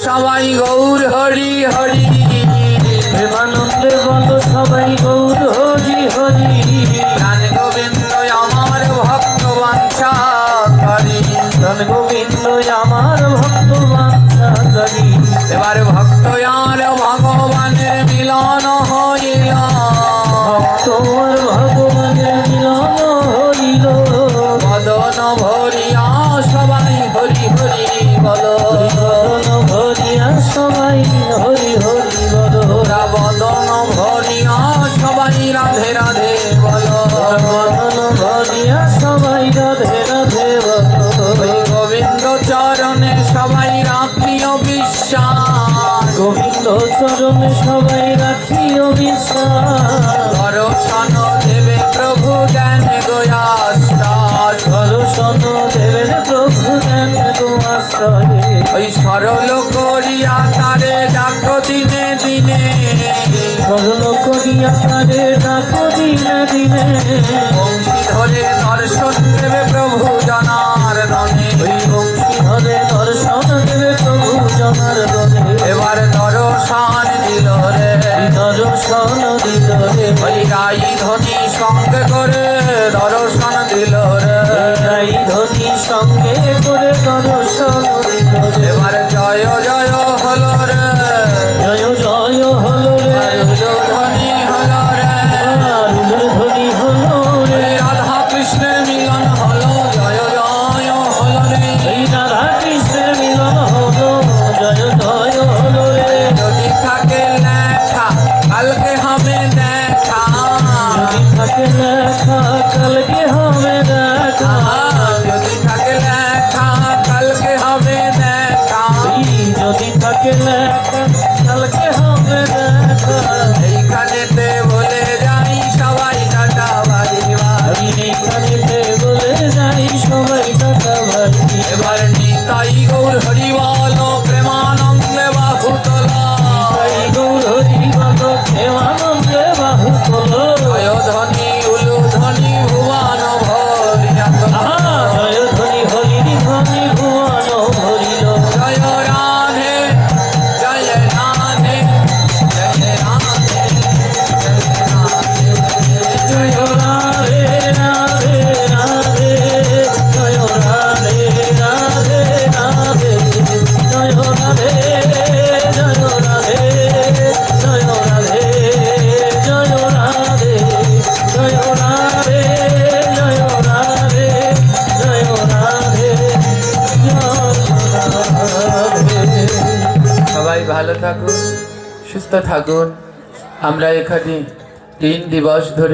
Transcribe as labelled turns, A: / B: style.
A: সবাই গৌর হরি হরি,
B: প্রেমানন্দে বলো সবাই গৌর হরি হরি।
A: প্রাণ গোবিন্দ আমার ভক্ত বাঞ্ছাকারী,
B: প্রাণ গোবিন্দ আমার ভক্ত বাঞ্ছাকারী।
A: এবার ভক্ত আর ভগবানের মিলন হইল,
B: ভক্ত আর ভগবানের মিলন হইল।
A: বদন ভরিয়া সবাই হরি হরি বলো,
B: বদন ভরিয়া সবাই হরি হরি বলো।
A: বদন ভরিয়া সবাই রাধে রাধে বলো,
B: বদন ভরিয়া সবাই রাধে রাধে বলো।
A: ওই গোবিন্দ চরণে সবাই রাখিও বিশ্বাস,
B: গোবিন্দ চরণে সবাই রাখিও বিশ্বাস।
A: দর্শন দেবে প্রভু জ্ঞান গোয়াস্তাস,
B: দর্শন দেবেন প্রভু জ্ঞান গোয়াশ্রয়ে।
A: ওই সরল করিয়া তারে ডাকো দিনে দিনে,
B: সরল করিয়া তারে ডাকো দিনে দিনে।
A: বংশী ধরে দর্শন দেবে প্রভু জনার্দনে,
B: ওই বংশী ধরে দর্শন দেবে প্রভু জনার্দনে।
A: এবার দর্শন দিল রে,
B: দর্শন দিল রে।
A: ওই গাই ধ্বনি সঙ্গে করে দর্শন দিল রে,
B: এই ধ্বনি সঙ্গে করে দর্শন দিল রে।
A: এবার জয় জয় হলো রে,
B: জয় জয় হলো রে।
A: ধ্বনি হলো রে,
B: আরুলের ধ্বনি হলো রে।
A: ওই রাধা কৃষ্ণের মিলন হলো, জয় জয় হলো রে।
B: এই রাধা কৃষ্ণের মিলন হলো, জয় জয় হলো রে।
A: যদি থাকে লেখা কালকে হবে দেখা,
B: যদি থাকে লেখা কালকে হবে দেখা।
A: যদি থাকে লেখা কালকে হবে দেখা,
B: যদি থাকে লেখা কালকে হবে দেখা।
A: এইখানেতে বলে যাই সবাই টাটা বাড়ি বাড়ি,
B: আমি এইখানেতে বলে যাই সবাই টাটা বাড়ি।
A: এবার নিতাই গৌর হরি বল প্রেমানন্দে বাহু তোলা,
B: তাই গৌর হরি বলো প্রেমানন্দে বাহু তোলো।
A: জয় ধ্বনি উলু ধ্বনি ভুবন ভরিয়া তোলা,
B: জয় ধ্বনি হরি ধ্বনি ভুবন ভরিল।
A: জয় রাধে জয় রাধে জয় রাধে জয় রাধে,
B: জয় রাধে রাধে রাধে, জয় রাধে রাধে রাধে, জয় রাধে জয় রাধে, জয় রাধে জয় রাধে, জয় রাধে জয় রাধে, জয় রাধে জয় রাধে।
A: সবাই ভালো থাকুন, সুস্থ থাকুন। আমরা এখানে 3 দিবস ধরে